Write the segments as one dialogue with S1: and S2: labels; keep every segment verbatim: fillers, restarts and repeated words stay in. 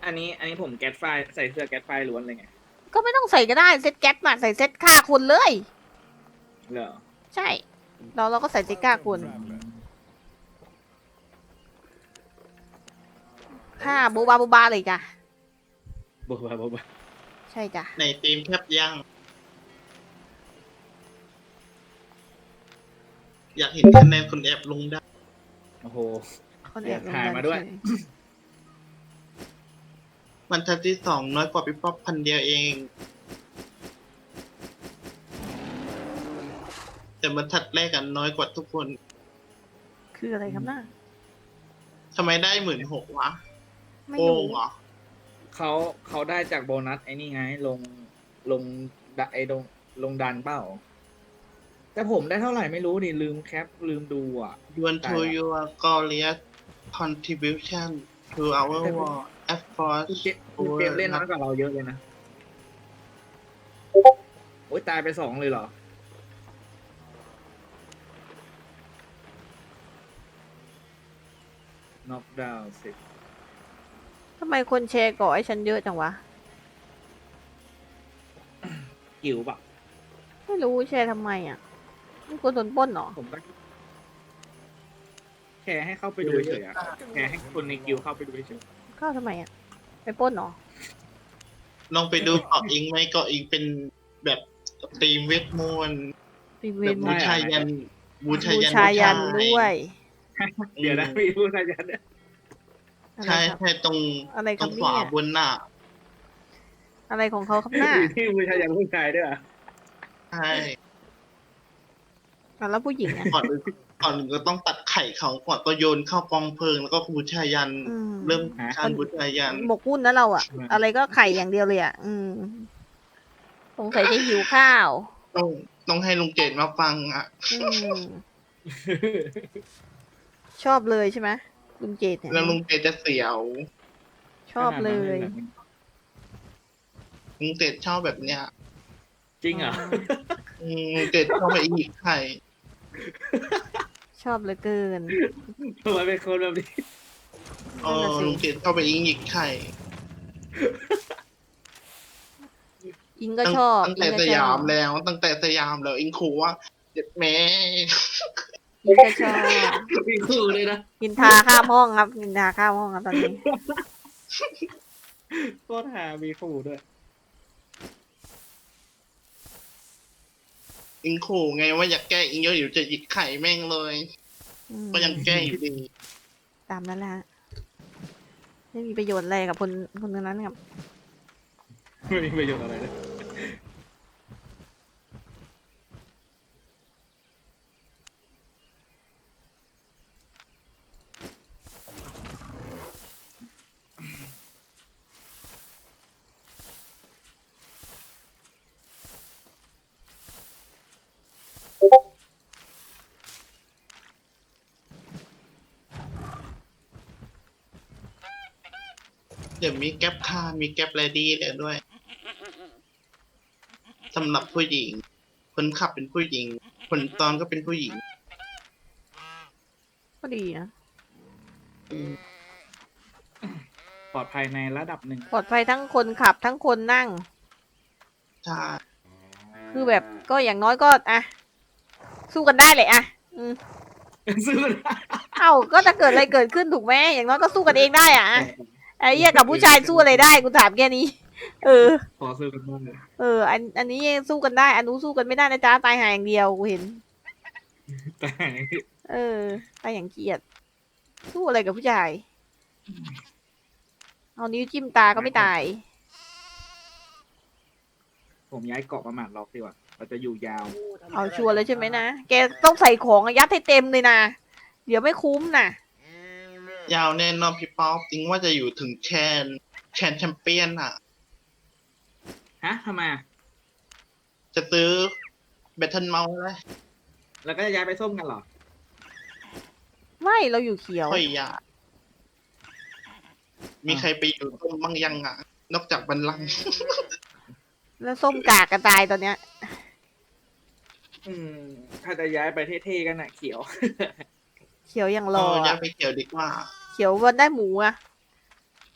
S1: อันนี้อันนี้ผมแก๊สไฟใส่เสื้อแก๊สไฟล้วนเลยไง
S2: ก็ไม่ต้องใส่ก็ได้เซตแก๊สมาใส่เซตฆ่าคนเลย
S1: เหรอ
S2: ใช่เราเราก็ใส่เซตฆ่าคนฆ่าบูบาบูบาเลยจ้ะ
S1: บอกว่าบอกว่า
S2: ใช่จ้ะ
S3: ในทีมแคบยังอยากเห็นคะแนนคนแอบลงได้
S1: โอ้โห
S2: คนแอบลง
S1: ถ่ายมาด้วย
S2: เฉ
S3: บรรทัดที่สองน้อยกว่าพี่ป๊อปพันเดียวเอง แต่บรรทัดแรกกันน้อยกว่าทุกคน
S2: คืออะไรครับน่า
S3: ทำไมได้หมื่นหกวะ
S2: ไม่
S3: โก
S2: รู้
S3: งเหรอ
S1: เขาเขาได้จากโบนัสไอ้นี่ไงลงลงดะไอ้ลงลงดันเปล่า แต่ผมได้เท่าไหร่ไม่รู้นี่ลืมแคปลืมดูอ่ะ
S3: You want to your glorious contribution to our war
S1: คือ
S3: effort
S1: เจคือเกมเล่นน้อยกว่าเราเยอะเลยนะโอ้ยตายไปสองเลยเหรอ น็อกดาวน์สิ
S2: ทำไมคนแชร์ก่อให้ฉันเยอะจังวะ
S1: กิวปะ
S2: ไม่รู้แชร์ทำไมอ่ะไม่กลัวโดนปล้นเหรอ
S1: ผมก็แค่ให้เข้าไปดูเฉยๆอะแค่ให้คนในกิวเข้าไปดูเฉย
S2: เข้าทำไมอ่ะไปปล้นเหรอ
S3: ลองไปดูเกาะอิงไหมเกาะอิงเป็นแบบทีมเวทมนต์
S2: ปีเว
S3: แบบ
S2: น
S3: บูชายันบูชา
S2: บู
S3: ยัน
S2: ชายันด้วย
S1: ๆเดี๋ยวนะมีผู้ชายยันเนี่ย
S2: อะไร
S3: ใช่
S2: ครับ
S3: ใช่ตรง
S2: อะไรค
S3: ต
S2: รั
S3: ร
S2: บ
S3: ง
S2: เนี่
S3: ขวาย บนหน้า
S2: อะไรของเขาครับหน้า
S1: มีที่ผู้ชายยันผู้ชายด้วยเหรอ
S3: ใช่
S2: อ่ะแล้วผู้หญิงอ่ะ
S3: ก่อนอื่นก่อนอื่นก็ต้องตัดไข่เขาก่อนก็โยนเข้ากองเพลิงแล้วก็บูชายัน
S2: อืม
S3: เริ่มการบูชายัน
S2: หมกมุ่นนะเราอ่ะ อะไรก็ไข่อย่างเดียวเลยอ่ะ อืมสงสัยจะหิวข้าว
S3: ต้องต้องให้ลุงเจดมาฟังอ่ะ
S2: อืมชอบเลยใช่ไหมลุงเจดเนี่ย
S3: แล้วลุงเจดจะเสียว
S2: ชอบเลย
S3: ลุงเจดชอบแบบเนี้ย
S1: จริงเหรอ
S3: อืมลุงเจดชอบไปอีกไข่
S2: ชอบเหลือเกิน
S1: ทำไมเป็นคนแบบนี้
S3: เอ
S2: นั่น
S3: อ
S2: น่ะสิ
S3: ลุงเจดชอบไปอีกอีกไข่
S2: อิงก็
S3: ตั้ง
S2: ชอบ
S3: ตั้งแต่
S2: อิง
S3: ส
S2: ก็ช
S3: ยา
S2: อบ
S3: มแล้ว ตั้งแต่สยามแล้วอิงขู่ว่าเจ็ดแม่
S2: อิงก็ชอบ
S1: มีคู่เลยนะ
S2: นินทาข้ามห้องครับนินทาข้ามห้องครับตอนนี้
S1: โคตรหามีคู่ด้วย
S3: อิงขู่ไงว่าอยากแก้อิงเยอะอยู่จะหยิกไข่แม่งเลย
S2: อืม
S3: ก็ยังแก้อยู่ดี
S2: ตามนั้นแหละฮะไม่มีประโยชน์อะไรกับคนคนนั้นครับ
S1: ไม่มีประโยชน์อะไรเลย
S3: เดี๋ยวมีแก๊ปคาร์มีแก๊ปเรดี้เลยด้วยสำหรับผู้หญิง คนขับเป็นผู้หญิง คนตอนก็เป็นผู้หญิง
S2: ก็ดีนะ
S1: ปลอดภัยในระดับหนึ่ง
S2: ปลอดภัยทั้งคนขับทั้งคนนั่ง
S3: ใช่
S2: คือแบบก็อย่างน้อยก็อ่ะสู้กันได้เลยอ่ะอืม
S1: ซื้อได้
S2: เอ้าก็จะเกิดอะไรเกิดขึ้นถูกไหมอย่างน้อยก็สู้กันเองได้อ่ะไอ้เหี้ยกับผู้ชายสู้อะไรได้กูถามแค่นี้ เออ
S1: ขอซื้อกันบ้างเลย
S2: เออ อันอันนี้สู้กันได้ อันนู้นสู้กันไม่ได้นะจ๊ะตายหาอย่างเดียวกูเห็น
S1: แต่
S2: เออตายอย่างเกลียดสู้อะไรกับผู้ชายเอานิ้วจิ้มตาก็ไม่ตาย
S1: ผมย้ายเกาะมาหมาดล็อกดีกว่า เราจะอยู่ยาว
S2: เอาชัวร์เลยใช่ไหมนะแกต้องใส่ของอะยัดให้เต็มเลยนะเดี๋ยวไม่คุ้มนะ
S3: ยาวแน่นอนพี่ป๊อปจริงว่าจะอยู่ถึงแชนแชนแชมเปี้ยนอ่ะ
S1: ฮะทำไมอะ
S3: จะซื้อแบตเทิลเมาส์เลย
S1: แล้วก็จะย้ายไปส้มกันเหรอ
S2: ไม่เราอยู่เขียว
S3: ค่อยอยากมีใครไปอยู่ต้มบ้างยังอ่ะ นอกจากบันลังก์
S2: แล้วส้มกากกระตายตอนเนี้ย
S1: อืม ถ้าจะย้ายไปเท่ๆกันน่ะเขียว
S2: เขียวอย่าง
S3: เอ
S2: รอ
S3: ออย่า
S2: อะ
S3: ไปเกี่ยวดีกว่า
S2: เขียววันได้หมูอะ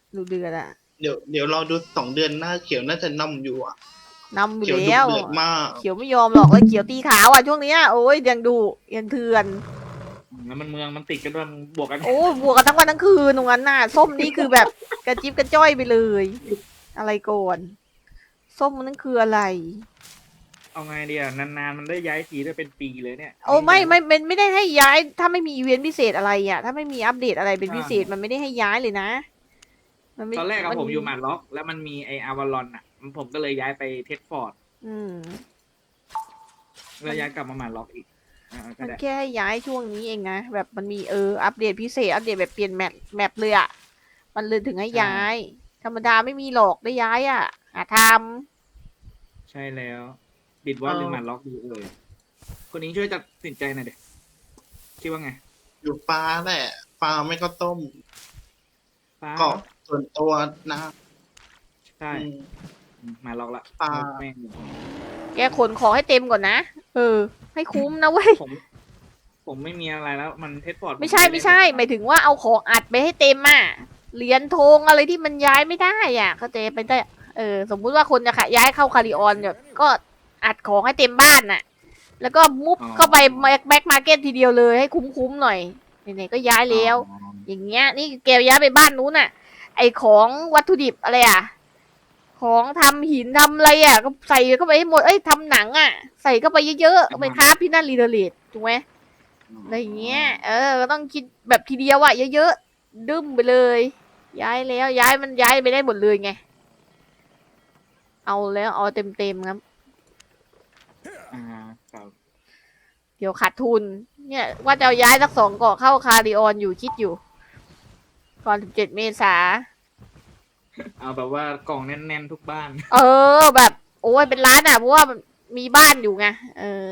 S2: ดูเดือดอะ
S3: เดี๋ยวเดี๋ยวรอดูสองเดือนหน้าเขียวน่าจะนำอยู่อ่ะ
S2: นำอยู่
S3: เขียวดุ
S2: แล้ว
S3: เดือดมาก
S2: เขียวไม่ยอมหรอกเลยเขียวตีขาวอ่ะช่วงเนี้ยโอ้ยยังดูยังเถื่อน
S1: แล้วมันเมืองมันติดกันด้วยมันบวกกัน
S2: โอ้ยบวกกันทั้งวันทั้งคืนตรงนั้นน่ะส้มนี่คือแบบกระจิบกระจ้อยไปเลย อะไรก่อนส้มมันนั่นคืออะไร
S1: เอาไงเดียนานๆมันได้ย้ายทีได้เป็นปีเลยเนี่ย
S2: โอ้ไม่ไม่ไม่ไม่ได้ให้ย้าย ถ้าไม่มีอีเวนต์พิเศษอะไรอ่ะ ถ้าไม่มีอัปเดตอะไรเป็นพิเศษมันไม่ได้ให้ย้ายเลยนะมันไม่
S1: ตอนแรกอะ
S2: น
S1: ผมอยู่หมาดล็อก แล้วมันมีไออาวาลอนอะผมก็เลยย้ายไปเทสฟอร์ด
S2: อืม
S1: แล้วย้ายกลับมาหมาดล็อกอีกอ่าก็
S2: มัน
S1: ได้
S2: แค่ย้ายช่วงนี้เองนะแบบมันมีเอออัปเดตพิเศษอัปเดตแบบเปลี่ยนแมปแมปเลยอ่ะมันเลยถึงให้ย้าย ธรรมดาไม่มีหรอกได้ย้ายอ่ะหาท
S1: ใช่แล้ว บิดว่า
S3: เออ
S1: หรือหมาดล็อกดีเอ่ยคนนี้ช่วยตัดสินใจหน่อยเด็กคิดว่าไง
S3: อยู่ฟ้าแหละฟ้าไม่ก็ต้ม
S1: ฟ้า
S3: ก็ส่วนตัวนะ
S1: ใช่
S3: อืม
S1: หมาดล็อกละ
S3: ฟ้า
S1: แม่ง
S2: ำแกขนของให้เต็มก่อนนะเออ ให้คุ้มนะเว้ย
S1: ผม ผมไม่มีอะไรแล้ว มันเทสฟอร์ด
S2: ไม่ใช่ไม่ใช่หมายถึงว่าเอาของอัดไปให้เต็มอ่ะเหรียญธงอะไรที่มันย้ายไม่ได้อ่ะเข้าใจไปได้เออ สมมุติว่าคนจะขะย้ายเข้าคาริออนเนี่ยก็อัดของให้เต็มบ้านน่ะ แล้วก็มุฟเข้าไปแบ็คมาร์เก็ตทีเดียวเลยให้คุ้มๆหน่อยไหนๆก็ย้ายแล้ว
S1: อ๋อ
S2: อย่างเงี้ยนี่แกย้ายไปบ้านนู้นน่ะ ไอของวัตถุดิบอะไรอ่ะ ของทำหินทำอะไรอ่ะ ก็ใส่เข้าไปให้หมดเอ้ยทำหนังอ่ะ ใส่เข้าไปเยอะๆเอาไปค้าพี่นั่นรีเดเลตถูกไหมอะไรอย่างเงี้ยเออก็ต้องคิดแบบทีเดียวอ่ะเยอะๆดึ้มไปเลย ย้ายแล้วย้ายมันย้ายไปได้หมดเลยไง เอาแล้วเอาเต็มๆครับ
S1: อ่าครับ
S2: เดี๋ยวขาดทุน เนี่ย ว่าจะเอาย้ายสักสองเกาะเข้าคาริออนอยู่คิดอยู่ก่อนสิบเจ็ดเมษา
S1: เอาแบบว่ากล่องแน่นๆทุกบ้าน
S2: เออแบบ โอ้ยเป็นร้านอ่ะเพราะว่ามันมีบ้านอยู่ไงเออ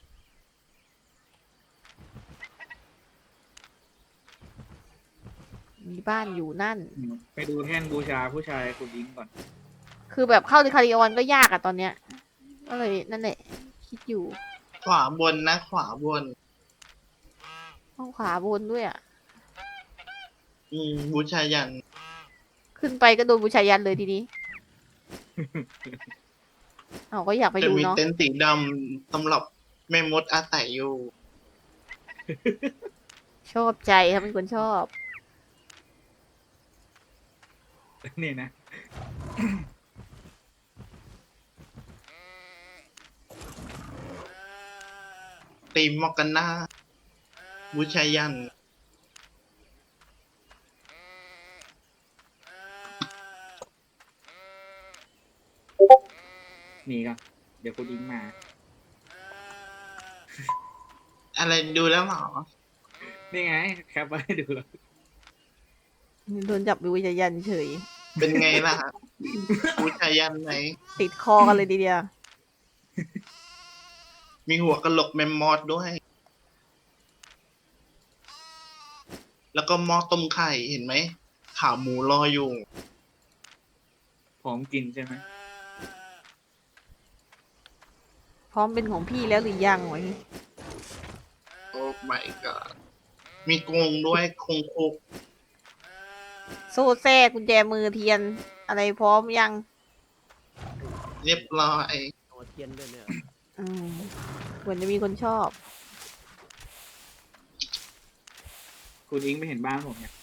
S2: มีบ้านอยู่นั่น
S1: ไปดูแท่นบูชาผู้ชายคุณยิงก่อน
S2: คือแบบเข้าในคาริออนก็ยากอะตอนเนี้ยก็เลยนั่นแหละ คิดอยู่
S3: ขวาบนนะ ขวาบน
S2: ต้องขวาบนด้วยอะ
S3: อืมบูชายัน
S2: ขึ้นไปก็โดนบูชายันเลยทีนี้ เอาก็อยากไป
S3: จะ
S2: ดู
S3: มี
S2: เนาะ
S3: เต็นท์สีดำสำหรับแม่มดอาศัยอยู่
S2: ชอบใจครับเป็นคนชอบ
S1: นี่นะ
S3: ตีมมอกกันหน้าบูชายัน
S1: นี่ก็เดี๋ยวคุณยิงมา
S3: อะไรดูแล้วเหรอ
S1: นี่ไง แคปไว้ให้ดูแล้ว
S2: โดนจับบูชายันเฉย
S3: เป็นไงล่ะ บูชายันไหน
S2: ติดคอกันเลยทีเดียว
S3: มีหัวกะโหลกแมมมอสด้วย แล้วก็หม้อต้มไข่เห็นไหมขาหมูรออยู่
S1: พร้อมกินใช่ไหม
S2: พร้อมเป็นของพี่แล้วหรือยังวะ
S3: โอ้ my god มีกรงด้วยคงคุก
S2: โซ่แท้กุญแจมือเทียน อะไรพร้อมยัง
S3: เรียบร้อย
S4: เอาเทียนด้วยเนี่ย
S2: อืมเหมือนจะมีคนชอบ
S1: คุณอิงไม่เห็นบ้านผมเนี่ย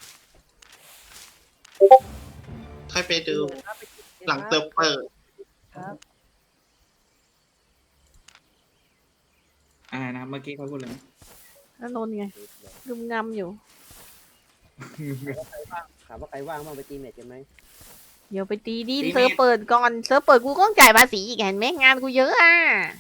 S3: ค่อยไปดู หลังเติมเปิด
S4: ครับ
S1: อะไรนะเมื่อกี้เขาพูดเลย
S2: แล้วนนท์ไงกึมงำอยู่
S4: ถามว่าใครว่างบ้างไปตีเมทกันไหม
S2: เดี๋ยวไปตีดิน
S1: ตีเมท
S2: เซิร์ฟเปิดก่อนเซิร์ฟเปิดกูก็ต้องจ่ายภาษีอีกเห็นไหมงานกูเยอะอ่ะ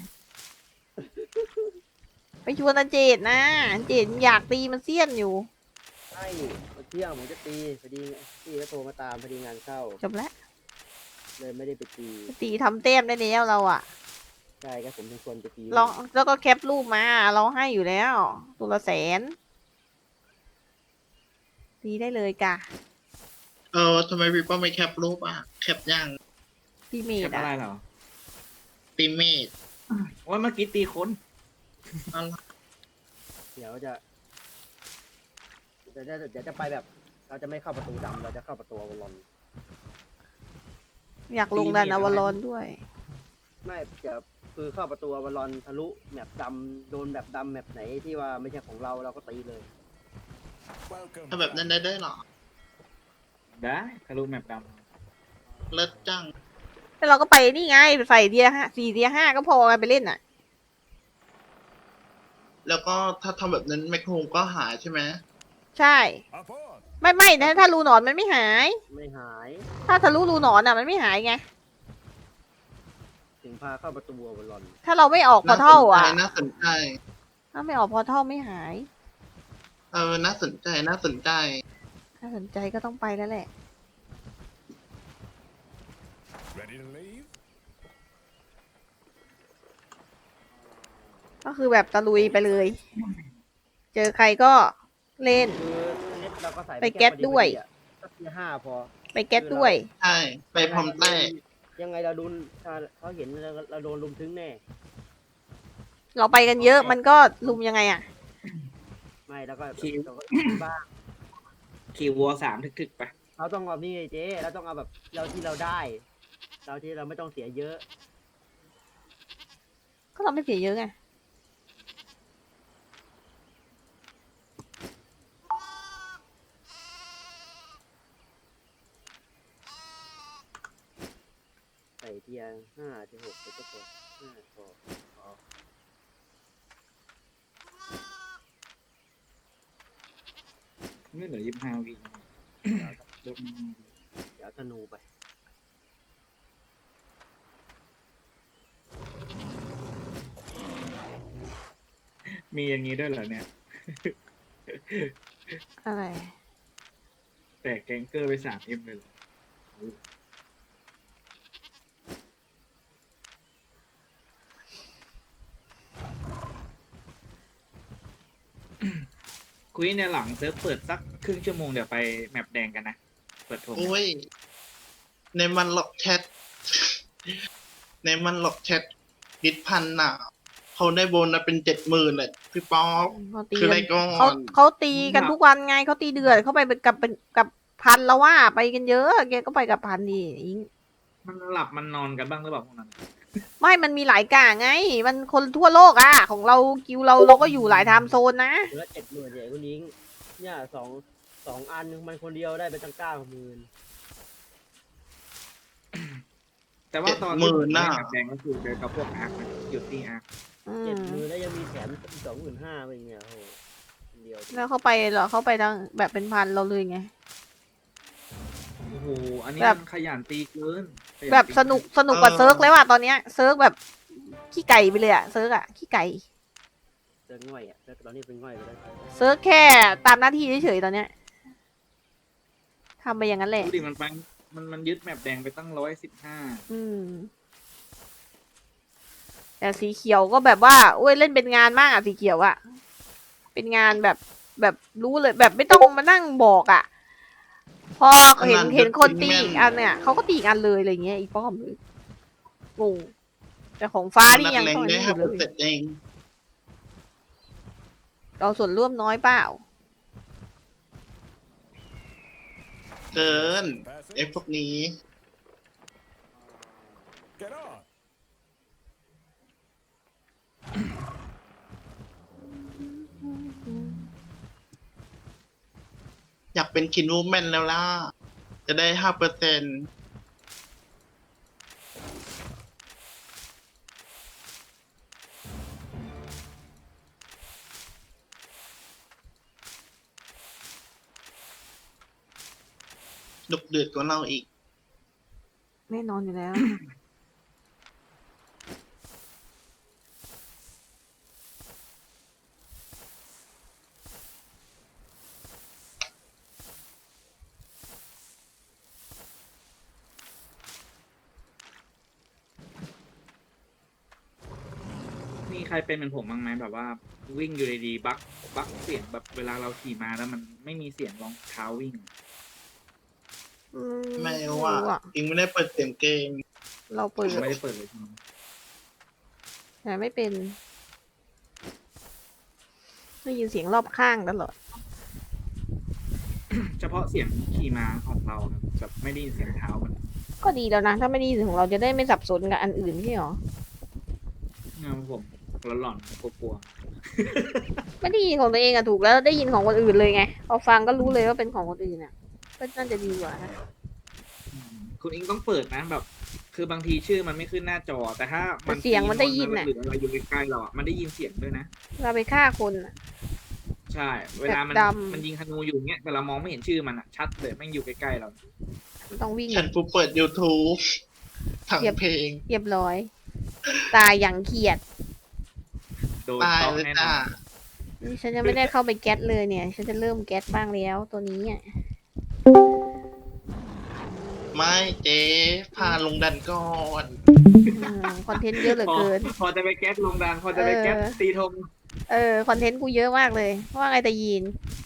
S2: ไปชวนอาเจดนะอาเจดอยากตีมันเสี้ยนอยู่
S4: ใช่วันเที่ยงผมจะตีพอดีพี่ก็โทรมาตามพอดีงานเข้า
S2: จบแล้ว
S4: เลยไม่ได้ไปตี
S2: ตีทำเต็มได้แล้วเราอ่ะ
S4: ใช่ก็ผมเป็นคนไปตี
S2: ลองแล้วก็แคปรูปมา เราให้อยู่แล้วตัวละแสนตีได้เลยกะ
S3: เออทำไมพี่ป้อมไม่แคปรูปอ่ะ แคปยัง
S2: พี่เม
S1: แค
S2: ด
S1: ป
S2: อ่ะ
S1: อะไรเหรอ
S3: ตีเมด
S1: ว่าเมื่อกี้ตีคน
S3: อะไร
S4: เดี๋ยวจะเดี๋ยวจะเดี๋ยวจะไปแบบเราจะไม่เข้าประตูดำเราจะเข้าประตูอวารอน
S2: อยากลงดันอวารอนด้วย
S4: ไม่จะคือเข้าประตูอวารอนทะลุแมปดำโดนแบบดำแมปไหนที่ว่าไม่ใช่ของเราเราก็ตีเลย
S3: ถ้าแบบนั้นได้ด้วยเหรอ
S1: ได้ทะลุแมปด
S3: เลิศจัง
S2: แล้วเราก็ไปนี่ไงใส่เดียห้าสี่เดียห้าก็พอไงไปเล่นอ่ะ
S3: แล้วก็ถ้าทำแบบนั้นแมคโครก็หายใช่ไหม
S2: ใช่ ไม่ไม่นะถ้ารูหนอนมันไม่หาย
S4: ไม่หาย
S2: ถ้าทะลุรูหนอนอ่ะมันไม่หายไง
S4: ถึงพาเข้าประตูอวารอน
S2: ถ้าเราไม่ออกพอเท่าอ่ะ
S3: น่าสนใจ
S2: ถ้าไม่ออกพอเท่าไม่หาย
S3: เออ น่าสนใจ น่าสนใจ
S2: ถ้าสนใจก็ต้องไปแล้วแหละ
S5: Ready to leave?
S2: ก็คือแบบตะลุยไปเลย เจอใครก็เล่น
S4: คือเน็ตเราก็ใส่
S2: ไปแก๊สด้วย
S4: สักทีห้าพอ
S2: ไปแก๊สด้วย
S3: ใช่ ไปพร้อมแต้
S4: ยังไงเราโดนถ้าเขาเห็นเราเราโดนลุมถึงแน่
S2: เราไปกันเยอะมันก็ลุมยังไงอ่ะ
S4: ไม่แล้วก็เราก็บ้าง
S1: ำขี่วัวสามถึกๆไป
S4: เราต้องเอานี่ไงเจ๊เราต้องเอาแบบเราที่เราได้ เราที่เราไม่ต้องเสียเยอะ
S2: ก็เราไม่เสียเยอะไง
S4: ใส่เทียร์ห้าเทียร์หกไปก็พอห้าพอพอ
S1: ไม่เหลือยี่สิบห้าวิลดมา
S4: เดี๋ยวธนูไป
S1: มีอย่างนี้ด้วยเหรอเนี่ย
S2: อะไร
S1: แต่แกงเกอร์ไปสามเอ็มเลยเหรอคุยในหลังเซิร์ฟเปิดสักครึ่งชั่วโมงเดี๋ยวไปแมปแดงกันนะ เปิดโทร
S3: โอ้ย ในมันหลอกแชท ในมันหลอกแชทดิดพันน่ะ เขาได้โบนัสเป็นเจ็ดหมื่นเลยพี่ป๊อป
S2: เขาตี
S3: คืออะไร
S2: กัน
S3: ก่อน
S2: เขาเขาตีกันทุกวันไงเขาตีเดือดเขาไปกับเป็นกับพันแล้วว่าไปกันเยอะแกก็ไปกับพันดิอิง
S1: มันหลับมันนอนกันบ้างหรือเปล่าพวกนั้น
S2: ไม่มันมีหลายกะไง มันคนทั่วโลกอ่ะ ของเรากิวเราเราก็อยู่หลายไทม์โซนนะ
S4: เหลือเจ็ดหมื่นเนี่ยคุณยิงเนี่ยสองสองอันมันคนเดียวได้ไปตั้งเก้าหมื่น
S1: แต่ว่าตอนที่ผมเล่นแมปแดงก็คือเดินกับพวกอาร์คนะหยุดที่อาร์ค
S2: อื
S4: เจ็ด
S2: ม
S4: หมื่นแล้วยังมีแถมสองหมื่นห้าไปเนี่ยโอ้โหคนเดียว
S2: แล้วเขาไปเหรอเขาไปทางแบบเป็นพันเราเลยไง
S1: โอ้โห อันนี้
S2: แบบ
S1: มันขยันตีเกินขยั
S2: แบบ
S1: ตี
S2: สนุกสนุกกว่าเซิร์กเลยว่ะตอนเนี้ยเซิร์กแบบขี้ไก่ไปเลยอะเซิร์กอะขี้ไก่
S4: เซิร์ฟง่อยอ่ะเซิร์ฟตอนนี้เป็นง่อยไปแล้ว
S2: เซิร์กแค่ตามหน้าที่เฉยๆตอนเนี้ยทำไปอย่างนั้นแหละ
S1: ดูดิมันไปมันมันยึดแมปแดงไปตั้งร้อยสิบห้า
S2: อืม แต่สีเขียวก็แบบว่าโอ้ยเล่นเป็นงานมากอะสีเขียวอะเป็นงานแบบแบบรู้เลยแบบไม่ต้องมานั่งบอกอะพอเห็นเห็นคนตีอีกอันเนี่ยเขาก็ตีอีกอันเลยอะไรเงี้ยอีป้อมเลยงงแต่ของฟ้านี่ยัง
S3: นัก
S2: ต้อง
S3: เล
S2: อัน
S3: ได้
S2: นี้อ
S3: ห้า
S2: ยู่
S3: เป
S2: เล
S3: อร์เซ็น
S2: ย
S3: ต์เอง
S2: เราส่วนร่วมน้อยเปล่า
S3: เกิน
S5: Passing.
S3: ไอ้พวกนี้
S5: Get on.
S3: อยากเป็นคินวูแมนแล้วล่ะ จะได้ห้าเปอร์เซ็นต์ดุเดือดกว่าเราอีก
S2: แน่นอนอยู่แล้ว
S1: มีใครเป็นเหมือนผมบ้างไหมแบบว่า วิ่งอยู่ดีๆบักบักเสียงแบบเวลาเราขี่มาแล้วมันไม่มีเสียงรองเท้าวิ่ง
S2: อื
S3: ไม่ว่า
S2: รู้อะ
S3: อิงไม่ได้เปิดเสียงเกม
S2: เราเปิ
S1: ผ
S2: ด
S1: มไม่ได้เปิดเลยที
S2: แต่ไม่เป็นได้ยินเสียงรอบข้างตลอด
S1: เฉพาะเสียงขี่ม้าของเราครับแบบไม่ได้ยินเสียงเท้ามัน
S2: ก็ดีแล้วนะ ถ้าไม่ได้ยินของเราจะได้ไม่สับสนกับอันอื่นใช่หรอ
S1: เงาผมหลอนๆกลัว
S2: ไม่ได้ยินของตัวเองอะถูกแล้วได้ยินของคนอื่นเลยไงพอฟังก็รู้เลยว่าเป็นของคนอื่นอะก็น่าจะดีกว่านะ
S1: ๆอืมคุณอิงต้องเปิดนะแบบ คือบางทีชื่อมันไม่ขึ้นหน้าจอ แต่ถ้ามัน
S2: แต่เสียงมันได้ยิน
S1: น่ะ
S2: อะ
S1: หรืออะไรอยู่ใกล้ๆเราอ่ะมันได้ยินเสียงด้วยนะ
S2: เราไปฆ่าคนอะ
S1: ใช่ เวลามัน
S2: แบบดำ
S1: มันยิงธนูอยู่เงี้ยแต่เรามองไม่เห็นชื่อมันอ่ะชัดเลยแม่งอยู่ใกล้ๆเรา
S2: ต้องวิ่ง
S3: ฉันผู้เปิด YouTube ทั้ง
S2: เหยียบ
S3: เพลง
S2: เรียบร้อย ตายอย่างเขียด
S1: โดน
S3: ตาย
S1: ต้อง
S3: เลย
S1: แน่น
S3: จ้า
S1: อน
S2: นี่ฉันยังไม่ได้เข้าไปแก๊สเลยเนี่ย ฉันจะเริ่มแก๊สบ้างแล้วตัวนี้อ่ะ
S3: ไม่เจ๊พาลงดันก่อน
S2: อืมคอนเทนต์เยอะเหลือ
S1: พอ
S2: เกิน
S1: พอจะไปแก๊สลงดันพอจะไปแก๊ส
S2: เออ
S1: ตีธง
S2: เออคอนเทนต์กูเยอะมากเลยว่าไงแต่ยีน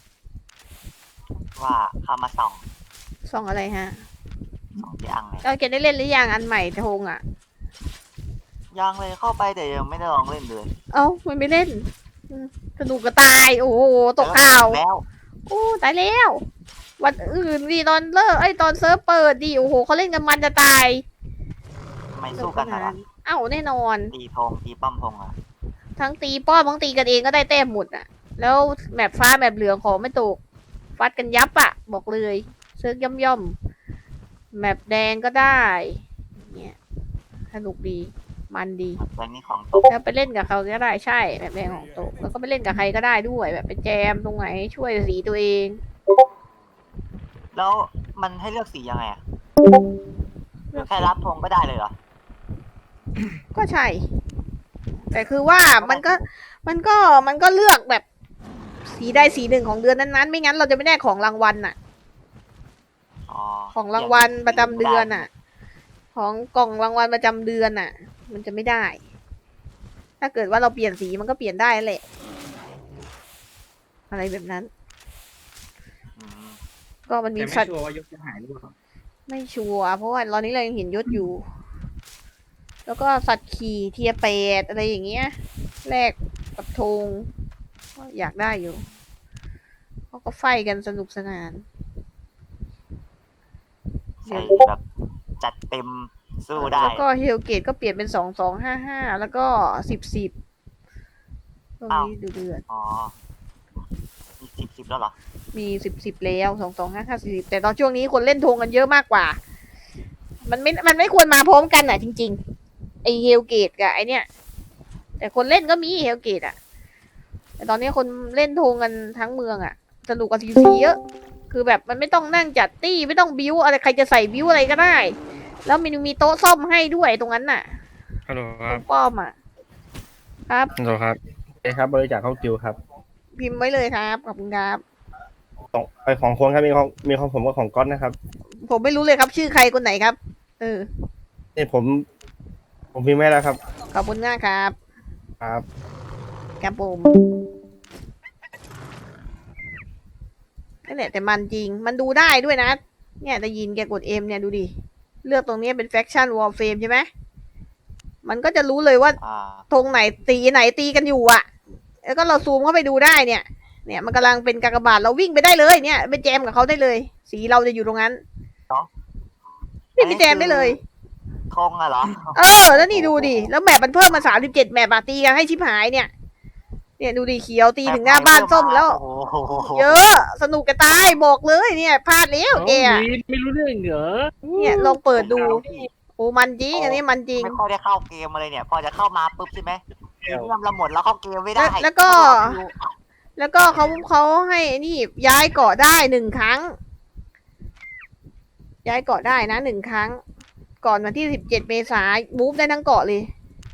S6: ว่าเข้ามาส่อง
S2: ส่องอะไรฮะ
S6: ส่องที่อังเลย
S2: เราเกดได้เล่นหรือยังอันใหม่ทงอ่ะ
S6: ยังเลยเข้าไปแต่ยังไม่ได้ลองเล่นเลย
S2: เอ้ามันไม่เล่นอืมสนุกก็ตาย โอ้โหตกข่าว
S6: แล้ว
S2: โอ้ตายแล้ว วันอื่นดิตอนเลิกไอ้ยตอนเซิร์ฟเปิดดิโอ้โหเขาเล่นกันมันจะตาย
S6: ทำไมสู้กันนะ
S2: เอ้าแน่นอน
S6: ตีธงตีป้อมธงอ่ะ
S2: ทั้งตีป้อมทั้งตีกันเองก็ได้แต้มหมดอ่ะ แล้วแมปฟ้าแมปเหลืองของไม่ตกฟัดกันยับอ่ะ บอกเลยเซิร์ฟย่อมย่อมๆแมปแดงก็ได้เนี่ยสนุกดีมันดี
S6: แรงนี้ของตก
S2: แล้วไปเล่นกับเขาก็ได้ใช่แบบแดงของโตกแล้วก็ไปเล่นกับใครก็ได้ด้วยแบบไปแจมตรงไหนช่วยสีตัวเอง
S6: แล้วมันให้เลือกสียังไงอ่ะแค่รับธงก็ได้เลยเหรอ
S2: ก็ใช่ แต่คือว่ามันก็มันก็มันก็เลือกแบบสีใดสีหนึ่งของเดือนนั้นๆ ไม่งั้นเราจะไม่ได้ของรางวัลน่ะ
S6: อ๋อ
S2: ของรางวัลประจำเดือนน่ะ ของกล่องรางวัลประจำเดือนน่ะ มันจะไม่ได้ ถ้าเกิดว่าเราเปลี่ยนสีมันก็เปลี่ยนได้แหละ อะไรแบบนั้น
S6: อืม
S2: ก็มันมี
S1: แต่ไม่
S2: สัตว์
S1: ชัวร์ว่ายกจะหายหรือเปล่า
S2: ไม่ชัวร์เพราะว่าตอนนี้เรายังเห็นยศอยู่ แล้วก็สัตว์ขี่เทียแปดอะไรอย่างเงี้ยแลกกับธงก็อยากได้อยู่เขาก็ไฟกันสนุกสนาน
S6: ใส่แบบจัดเต็มสู้ได้
S2: แล้วก็เฮลเกตก็เปลี่ยนเป็นสองสองห้าห้าแล้วก็สิบสิบตรงนี้ดูเดือด
S6: อ๋อมีสิบสิบแล้วเหรอ
S2: มีสิบสิบแล้วสองสองห้าห้าสิบแต่ตอนช่วงนี้คนเล่นธงกันเยอะมากกว่า มันไม่มันไม่ควรมาพร้อมกันอ่ะ จริง ๆ ไอเฮลเกตกับไอเนี้ยแต่คนเล่นก็มีเฮลเกตอ่ะ แต่ตอนนี้คนเล่นธงกันทั้งเมืองอ่ะสนุกกว่าซีซีเยอะ คือแบบมันไม่ต้องนั่งจัดตี้ไม่ต้องบิ้วอะไรใครจะใส่บิ้วอะไรก็ได้ แล้วมันมีโต๊ะซ่อมให้ด้วยตรงนั้นน่ะ
S7: ฮัลโหลครับ
S2: ป้อมอ่ะ ครับ
S7: ฮัลโหลครับเอ้ครับบริจาคเข้ากิวครับ
S2: พิมพ์ไว้เลยครับขอบคุณครับ
S7: สองไอของคนครับมีของมีของผมกับของก๊อตนะครับ
S2: ผมไม่รู้เลยครับ ชื่อใครคนไหนครับ เออ
S7: นี่ผม ผมพิมพ์ไม่แล้วครับ
S2: ขอบคุณมากครับ
S7: ครับ
S2: ครับผมนั่นแหละแต่มันจริง มันดูได้ด้วยนะ เนี่ยแต่ยินแกกดเอ็มเนี่ยดูดิ เลือกตรงนี้เป็นแฟคชั่นวอลเฟมใช่ไหม มันก็จะรู้เลยว่า
S6: อ่า
S2: ธงไหนตีไหนตีกันอยู่อ่ะ แล้วก็เราซูมเข้าไปดูได้เนี่ย เนี่ยมันกำลังเป็นกากบาทเราวิ่งไปได้เลยเนี่ยไปแจมกับเขาได้เลย สีเราจะอยู่ตรงนั้นวิ่งไปแจมได้เลย
S6: ธงอะเหรอ
S2: เออ แล้วนี่ดูดิ แล้วแมปมันเพิ่มมาสามสิบเจ็ดแมปอะตีกันให้ชิบหายเนี่ย เนี่ยดูดิเขียวตีถึงหน้าบ้านส้มแล้ว
S6: โอ้โห
S2: เยอะ สนุกกระตายบอกเลยเนี่ยพลาดแล้วแกอะ
S7: ไม่รู้เรื่องเหรอ
S2: เนี่ยลองเปิดดู โอ้มันจริง อันนี้มันจริง
S6: ไม่ค่อยได้เข้าเกมมาเลยเนี่ย พอจะเข้ามาปุ๊บใช่ไหมเกมเราหมดแล้วเข้าเกมไม่ได้
S2: แล้วแล้วก็ แล้วก็เขาเขาให้นี่ย้ายเกาะได้หนึ่งครั้ง ย้ายเกาะได้นะหนึ่งครั้ง ก่อนวันที่สิบเจ็ดเมษายนมูฟได้ทั้งเกาะเลย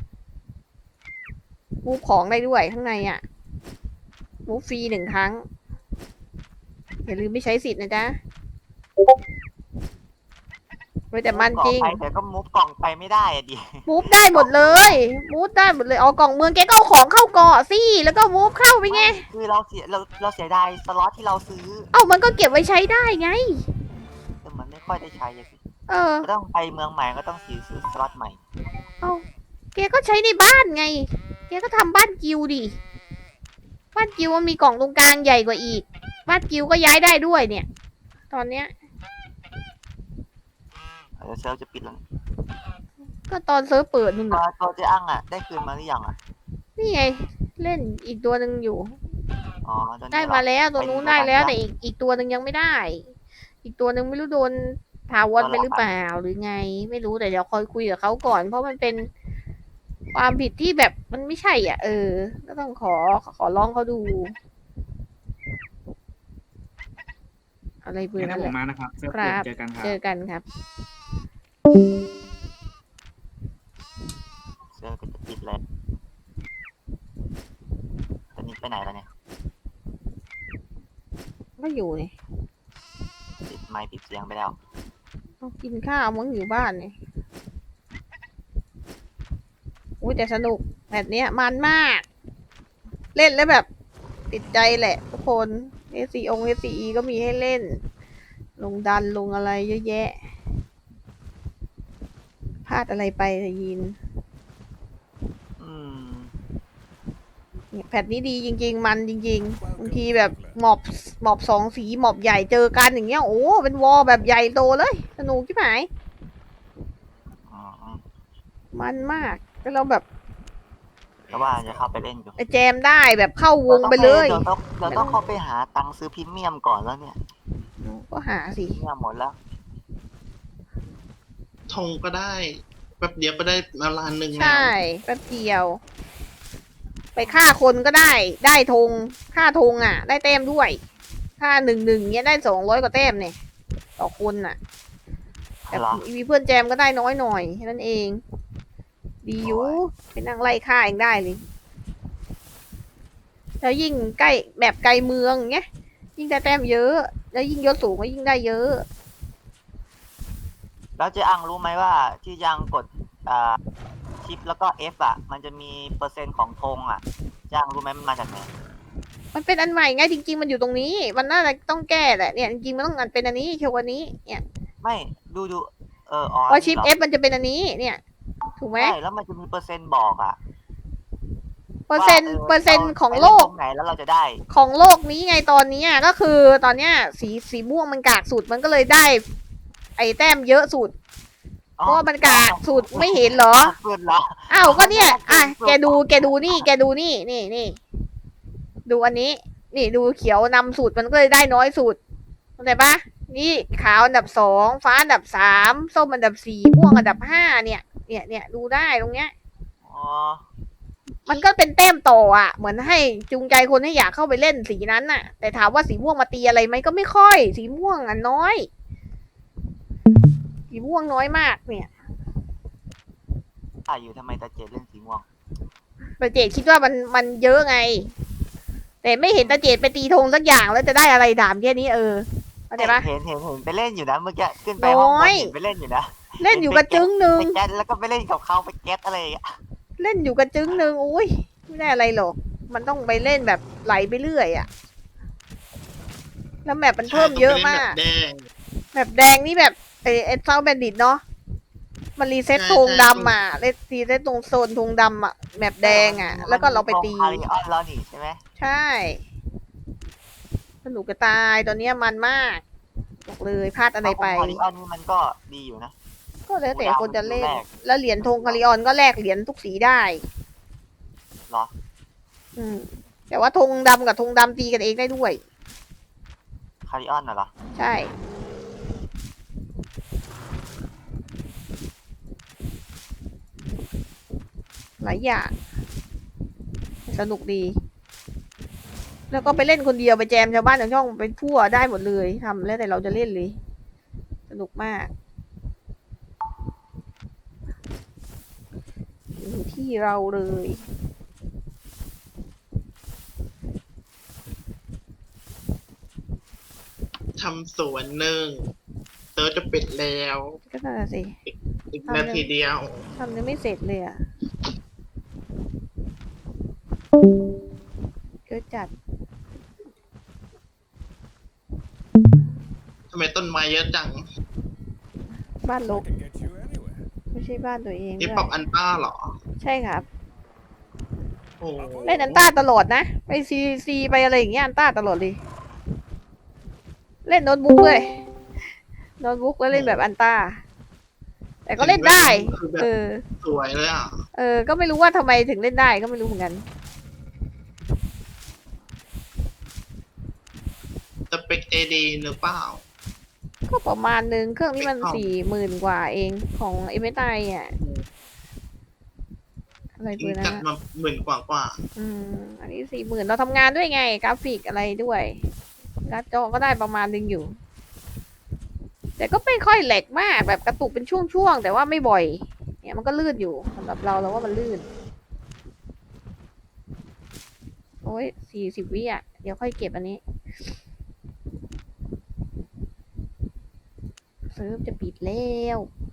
S2: มูฟของได้ด้วยข้างในอ่ะมูฟฟรีหนึ่งครั้ง อย่าลืมไม่ใช้สิทธิ์นะจ๊ะเว้ยแต่มันจริง
S6: ไปแต่ก็มุฟกล่องไปไม่ได้อะดิ
S2: มูฟได้หมดเลยมูฟได้หมดเลยเอากล่องเมืองแกก็เอาของเข้าเกาะสิแล้วก็มูฟเข้าไปไง
S6: คือเราเสียเราเราเสียดายสล็อตที่เราซื้อ
S2: เอ้ามันก็เก็บไว้ใช้ได้ไง
S6: แต่มันไม่ค่อยได้ใช้อะสิ
S2: เออ
S6: ก็ต้องไปเมืองใหม่ก็ต้องซื้อซื้อสล็อตใหม่
S2: เอาแกก็ใช้ในบ้านไง แกก็ทำบ้านกิวดิ บ้านกิวมันมีกล่องตรงกลางใหญ่กว่าอีก บ้านกิวก็ย้ายได้ด้วยเนี่ยตอนเนี้ย
S6: เดี๋ยวเซิร์ฟจะปิดแล้ว
S2: ก็ตอนเซิร์ฟเปิดนู่น
S6: ตัว
S2: น่ะ
S6: ตัวเจ๊อังอ่ะได้คืนมาหรือยังอ่ะ
S2: นี่ไง เล่นอีกตัวหนึ่งอยู่
S6: อ๋อตอนนี้
S2: ได้
S6: เหรอ
S2: มาแล้วตัวนู้นได้แล้ว
S6: ไป
S2: แต่
S6: ดู
S2: อีกอีกตัวหนึ่งยังไม่ได้ อีกตัวหนึ่งไม่รู้โดนถาวรไปหรือเปล่าหรือไง ไม่รู้แต่เดี๋ยวคอยคุยกับเขาก่อน เพราะมันเป็นความผิดที่แบบมันไม่ใช่อ่ะ เออ ก็ต้องขอขอร้องเขาดู อะไรเบอร์
S1: งั้
S2: นั่
S1: น
S2: น
S1: ผ
S2: แห
S1: ม
S2: ละ
S1: มานะครับเซิร์ฟ
S2: ครับ
S1: เจอกันครับ
S2: เจอกันครับ
S6: เซิร์ฟก็จะปิดเลยตอนนี้ไปไหนแล้วเนี่ย
S2: ก็อยู่นี่
S6: ปิดไมค์ปิดเสียงไปแล้ว
S2: ต้องกินข้าวมั้งอยู่บ้านนี่อุ้ยแต่สนุกแบบเนี้ยมันมาก เล่นแล้วแบบติดใจแหละทุกคน เอ ซี อง เอ ซี อี ก็มีให้เล่น ลงดันลงอะไรเยอะแยะ พลาดอะไรไปแต่ยิน
S6: อืม
S2: เนี่ยแพทนี้ดีจริง ๆ มันจริง ๆ บางทีแบบหมอบหมอบสองสีหมอบใหญ่เจอกันอย่างเงี้ย โอ้เป็นวอลแบบใหญ่โตเลย สนุกที่ไหน
S6: อ๋อ
S2: มันมากแล้วเราแบบ
S6: แล้วว่าจะเข้าไปเล่นอยู่
S2: ไปแจมได้แบบเข้าวงไปเลย
S6: เดี๋ยวต้องเดี๋ยวต้องเข้าไปหาตังค์ซื้อพรีเมียมก่อนแล้วเนี่ย
S2: ก็หาสิ
S6: พรีเมียมหมดแล้ว
S3: ธงก็ได้แป๊บเดียวก็ได้มาล้านหนึ่งแล้ว
S2: ใช่แป๊บเดียว ไปฆ่าคนก็ได้ ได้ธงฆ่าธงอ่ะ ได้แต้มด้วยฆ่าหนึ่งหนึ่งเนี้ยได้สองร้อยกว่าแต้มเนี่ยต่อคนอ่ะ แต่
S6: เหรอ
S2: มีเพื่อนแจมก็ได้น้อยหน่อยแค่นั้นเอง ดีอยู่ไปนั่งไล่ฆ่าเองได้เลย แล้วยิ่งใกล้แบบไกลเมืองเงี้ยยิ่งได้แต้มเยอะ แล้วยิ่งยศสูงก็ยิ่งได้เยอะ
S6: แล้วเจ๊อังรู้ไหมว่าที่ยังกดอ่าชิปแล้วก็ F อ่ะ มันจะมีเปอร์เซ็นต์ของธงอ่ะเจ๊อังรู้ไหมมันมาจากไหน
S2: มันเป็นอันใหม่ไงจริง ๆ มันอยู่ตรงนี้ มันน่าจะต้องแก้แหละเนี่ยจริงๆมันต้องอันเป็นอันนี้เคียวกวันนี้เนี่ย
S6: ไม่ดูดูเอออ๋อ
S2: เพราะชิป
S6: นี่
S2: เอ
S6: หร
S2: ฟมันจะเป็นอันนี้ เนี่ย ถูกไหม
S6: ใช่แล้วมันจะมีเปอร์เซ็นต์บอกอ่ะ
S2: เปอร์เซ็นต์
S6: ว่า
S2: เปอร์เซ็นต์ของ
S6: ไป
S2: โล
S6: น
S2: ก
S6: ตรงไหนแล้วเราจะได้
S2: ของโลกนี้ไงตอนนี้อะก็คือตอนเนี้ยสีสีม่วงมันกากสุดมันก็เลยได้ ไอ้แต้มเยอะสุด เพราะว่ามันกากสุดไม่เห็นเหรอ
S6: สุดเหรอ
S2: อ้าวก็เนี่ยอ่ะแกดูแกดูนี่ แกดูนี่นี่นี่ดูอันนี้ นี่ดูเขียวนำสุดมันก็เลยได้น้อยสุดเข้าใจปะนี่ขาวอันดับสองฟ้าอันดับสามส้มอันดับสี่ม่วงอันดับห้าเนี่ย เนี่ยเนี่ยดูได้ตรงเนี้ย
S6: อ๋อ
S2: มันก็เป็นแต้มต่ออ่ะ เหมือนให้จูงใจคนให้อยากเข้าไปเล่นสีนั้นน่ะ แต่ถามว่าสีม่วงมาตีอะไรไหมก็ไม่ค่อย สีม่วงอ่ะน้อย สีม่วงน้อยมากเนี่ย
S6: อ่าอยู่ทำไมตาเจดเล่นสีม่วง
S2: ตาเจดคิดว่ามันมันเยอะไง แต่ไม่เห็นตาเจดไปตีธงสักอย่างแล้วจะได้อะไรดามแค่นี้เออเข้าใจปะ
S6: เห็นเห็นเห็นไปเล่นอยู่นะเมื่อกี้ขึ้นไปห้องบ
S2: น้อน ย
S6: เห็นไปเล่นอยู่นะ
S2: เล่นอยู่กระจึงหนึ่ง
S6: ไปแก๊สแล้วก็ไปเล่นกับเขาไปแก๊สอะไรอย่างเงี้ย
S2: เล่นอยู่กระจึงหนึ่งอุ้ยไม่ได้อะไรหรอก มันต้องไปเล่นแบบไหลไปเรื่อยอ่ะ แล้วแมปมันเพิ่มเยอะมาก
S3: ใช่ต้องไปเล่นแบบแดง
S2: แบบแดงนี่แบบไอไอเซาแบนดิตเนาะมันรีเซ็ต
S3: ใช่
S2: ธง
S3: ใช่
S2: ดำอ่ะรีเซ็ตตรงโซนธงดำอ่ะแมปแดงอ่ะ แล้วก็เราไปตี
S6: คาริออนแล้วนี่ใช่ไหม
S2: ใช่ สนุกกระตายตอนเนี้ยมันมากบอกเลยพลาดอะไรไป
S6: คาริออนนี่มันก็ดีอยู่นะ
S2: ก็แล้วแต่คนจะเล่น
S6: แรก
S2: แล้วเหรียญธงคาริออนก็แลกเหรียญทุกสีได้
S6: เหรอ
S2: อืม แต่ว่าธงดำกับธงดำตีกันเองได้ด้วย
S6: คาริออนน่ะเหรอ
S2: ใช่ หลายอย่าง สนุกดี แล้วก็ไปเล่นคนเดียวไปแจมชาวบ้านชาวช่องไปทั่วได้หมดเลยทำแล้วแต่เราจะเล่นเลย สนุกมากอยู่ที่เราเลย
S3: ทำสวนหนึ่งเติร์ดจะปิดแล้ว
S2: ก็น่าสิ
S3: อีกนาทีเดียว
S2: ทำยังไม่เสร็จเลยอ่ะเกิดจัด
S3: ทำไมต้นไม้เยอะจัง
S2: บ้านล
S5: I
S2: ก
S5: can get you anywhere.
S2: ไม่ใช่บ้านตัวเอง
S3: นี่
S2: ด้วย
S3: ปรับอันต้าเหรอ
S2: ใช่ครับ
S3: โอ้โห
S2: เล่นอันต้าตลอดนะ ไปซีซีไปอะไรอย่างเงี้ยอันต้าตลอดเลยเล่นโน้ตบุ๊กด้วยโน้ตบุ๊กแล้วเล่นแบบอันต้าแต่ก็เล่นได้
S3: คือแบ
S2: เอบ อ
S3: สวยเลยอ่ะ
S2: เออ ก็ไม่รู้ว่าทำไมถึงเล่นได้ก็ไม่รู้เหมือนกัน
S3: สเปคเอดีหรือเปล่า
S2: ก็ประมาณนึง เครื่องนี้มัน
S3: ไม่เข้า
S2: สี่หมื่นกว่าเองของเอ็มเอสไออ่ะ อะไรเบอร์นั้
S3: จั
S2: น
S3: ด
S2: อะ
S3: มาหมื่นกว่ากว่า
S2: อืม อันนี้สี่หมื่นเราทำงานด้วยไง กราฟิกอะไรด้วยการ์ดจอก็ได้ประมาณนึงอยู่ แต่ก็ไม่ค่อยแหลกมากแบบกระตุกเป็นช่วงๆ แต่ว่าไม่บ่อย เนี่ยมันก็ลื่นอยู่สำหรับเราเราว่ามันลื่น โอ้ยสี่สิบวิอ่ะ เดี๋ยวค่อยเก็บอันนี้เซิร์ฟจะปิดแล้ว